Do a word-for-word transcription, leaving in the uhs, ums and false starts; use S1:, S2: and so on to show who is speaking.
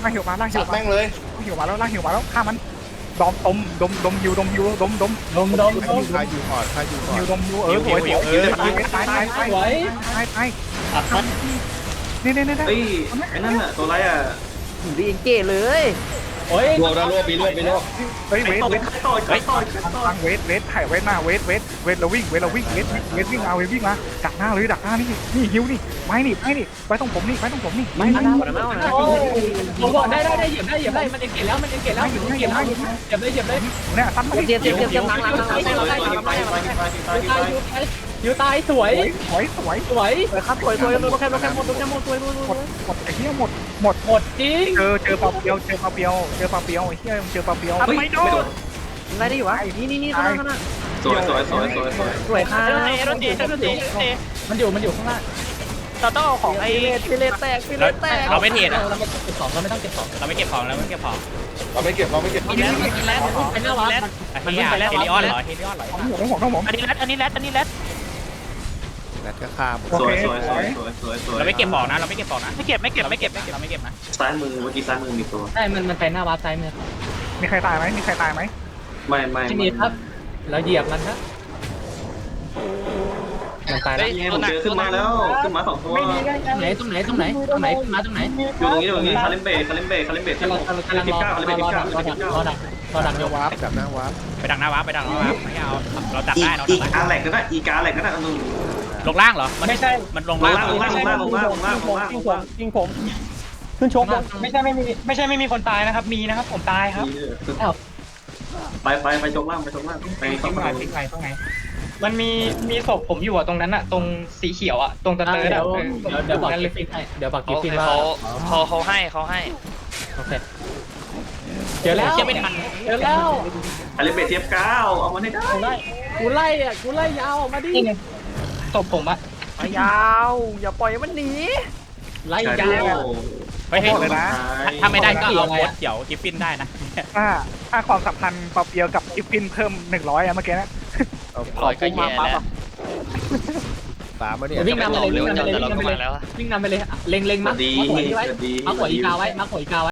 S1: ล่างหิวมาล่างหิวมา
S2: แม่งเลย
S1: ล่างหิวมาแล้วล่างหิวมาแล้วฆ่ามันดอมต้มดมดมฮิวดมฮิวดมดม
S3: ดมดมดม
S2: พายูก่อนพายูก่อน
S1: ฮิวดมฮิวเออสวยสวยตายตายตาย
S3: สวย
S1: ตายตาย
S3: อัดมัน
S1: นี่นี่นี่
S4: เฮ้ยไอ้นั่นอะตัวไรอะ
S5: ดีเก๋เลย
S3: โอ้ย
S2: รวบแล้วรวบปีรวบปีรวบ
S1: เฮ้ยเวท
S4: ต่อ
S1: เวท
S4: ต่อยต่อยต่อยต่อย
S1: ทางเวทเวทถ่ายเวทมาเวทเวทเวทเราวิ่งเวทเราวิ่งเวทเวทวิ่งมาเวทวิ่งมาดักหน้าเลยดักหน้านี่นี่ฮิวนี่ไม้นี่ไม้นี่ไว้ตรงผมนี่ไว้ตรงผมนี่ไม้ไม้
S3: โอ้ผมบอกได้ได้ได้เหยียบได้เหยียบได้มันเอ็งเกตแล้วมันเอ็งเกตแล้วเอ็งเกตแล้วเหยียบได้เหยียบได้
S1: เนี่ยตั้มมา
S5: เจ็บเจ็บเจ็บเจ็บหลังหลังหลังหลัง
S4: ต่อยต่อยต่อยต่อยต่อยต่อยต่อยต่อย
S3: ยูตายสวย
S1: สวยสวย
S3: สวย
S5: สวยครับสวยสวยโดนแคมโดนแคมหมดโดนแคมหมดสวยสวย
S1: หมดหมดไอ้เหี้ยหมดหมด
S3: หมดจริง
S1: เจอเจอปลาเปียวเจอปลาเปียวเจอปลาเปียวไอ้เหี้ยเจอปลาเปียว
S4: เฮ้ยไม่โดน
S5: อะไรได้อยู่วะนี่นี่นี่ข้างหน้าข้างหน้า
S4: สวยสวยสวยสวยสวย
S5: สวยค่ะ
S3: มันอยู่มันอยู่ข้างล่าง
S5: เราต้องเอาของไอ้ฟิเลตแตกฟิเลตแตก
S6: เราไม่เทรด
S3: เรา
S6: อ่ะ
S3: ไม่เก็บของเราไม่ต้องเก็บของ
S6: เราไม่เก็บของเราไม่เก็บของ
S2: เราไม่เก็บเราไม่เก็บ
S6: กินแล้วกินแล้ว
S3: ไอ้หน้าวัด
S6: เฮลิเฮลิออนเหรอเฮลิออนเหรอ
S1: ของผมของผม
S6: อันนี้แรดอันนี้แรดอันนี้แรด
S2: แบตก็ฆ่าหมด
S4: สวยสวยสวยสวยสวยสวย
S6: เราไม่เก็บของนะเราไม่เก็บของนะไม่เก็บไม่เก็บไม่เก็บไม่เก็บเราไม่เก็บนะ
S4: ซ้ายมือเมื่อกี้ซ้ายมือมีตัว
S3: ใช่มันมันไปหน้าวัดซ้ายมือ
S1: มีใครตายไหมมีใครตายไหม
S4: ไม่ไม่
S3: ที่นี่ครับเราเหยียบมันครับมันตายแล้ว
S4: นี่ผมเจอขึ้นมาแล้วขึ้นมาสองตัว
S3: ตรงไหนตรงไหนตรงไหนตรงไหนมาตรงไหน
S4: อยู่ตรงนี้ตรงนี้คาเลมเบคาเลมเบคาเลมเบ
S3: กำลังกำลังกำลัง
S4: สิบ
S3: รอ
S4: เก้าร คาเลมเบ
S3: อ
S4: สิบ
S3: รอ
S4: เก้า
S3: ดัก
S4: คาเลมเบสิบเก้าร
S3: อดักรอดัก
S2: ห
S3: เดี๋ยว
S2: น้าวาร์ปจับหน้าวาร์ป
S6: ไปดักหน้าวาร์ปไปดักหน้าวาร์ปไม่เอาเราจับ
S4: อี
S6: ได้เรา
S4: อี
S6: จับ
S4: กา
S6: ได้
S4: แหลกก็ได้อีกาแหลกก็ได้นุ่ม
S6: ลงล่างเหรอมัน
S7: ไม่ใช่
S6: มันลง
S4: ล
S6: ล่าง
S4: งล่างลงล่างลงล่างลงล่างลงล่างลงล่าง
S7: ยิงผมขึ้นชกไม่ใช่ไม่มีไม่ใช่ไม่มีคนตายนะครับ มีนะครับผมตายครับ
S4: ไปไปไปชกล่างไปชกล่างไป
S1: ทิ้
S4: เข้าง
S1: ไหน
S4: ไป
S1: ทิ้งไหนตรงไหน
S7: มันมีมีศพผมอยู่อะตรงนั้นอะตรงสีเขียวอะตรงตะเตอร์
S3: เดี๋
S7: อะ
S3: ยว
S7: เออ
S3: เดี๋ยวบอก
S7: นั่น
S3: กิ
S7: เล
S3: ฟ
S7: ย
S3: ฟินให้เดี๋ยวบอกกิฟฟินว่า
S6: เขาเขาเขาให้เขาให้
S3: โอเคเจอแล้ว
S6: เชื่อไม่ทัน
S3: เจอแล้ว
S4: คาเลมเบเทียบเก้าเอามาให้ได้
S3: กูไล่กูไล่อ่ะกูไล่ยาวออกมาดิ
S7: นี่ไงศพผมอะ
S5: ยาวอย่าปล่อยมันหนี
S3: ไล่
S4: ใช่
S3: ยา
S4: เดียว ว
S6: เฮ้ยถ้าไม่ได้ก็เอาโค้ดเดี๋ยวกิฟฟินได้นะ
S1: ถ้าถ้าความสัมพันธ์ปลาเปียวกับกิฟฟินเพิ่มหนึ่งร้อยอะเมื่อกี้นะ
S6: ร้อยก็แย่แล้ว
S2: สามมาเนี่ย
S3: วิ่งนำไปเลยวิ่งนำไปเลยวิ่งนำไปเลยวิ่งนำไปเลยเล็งเล็งมัก
S4: ดี
S3: มักหัวอีไว้
S4: ดี
S3: มักหัวอีกาไว้มักหัวอีกาไว้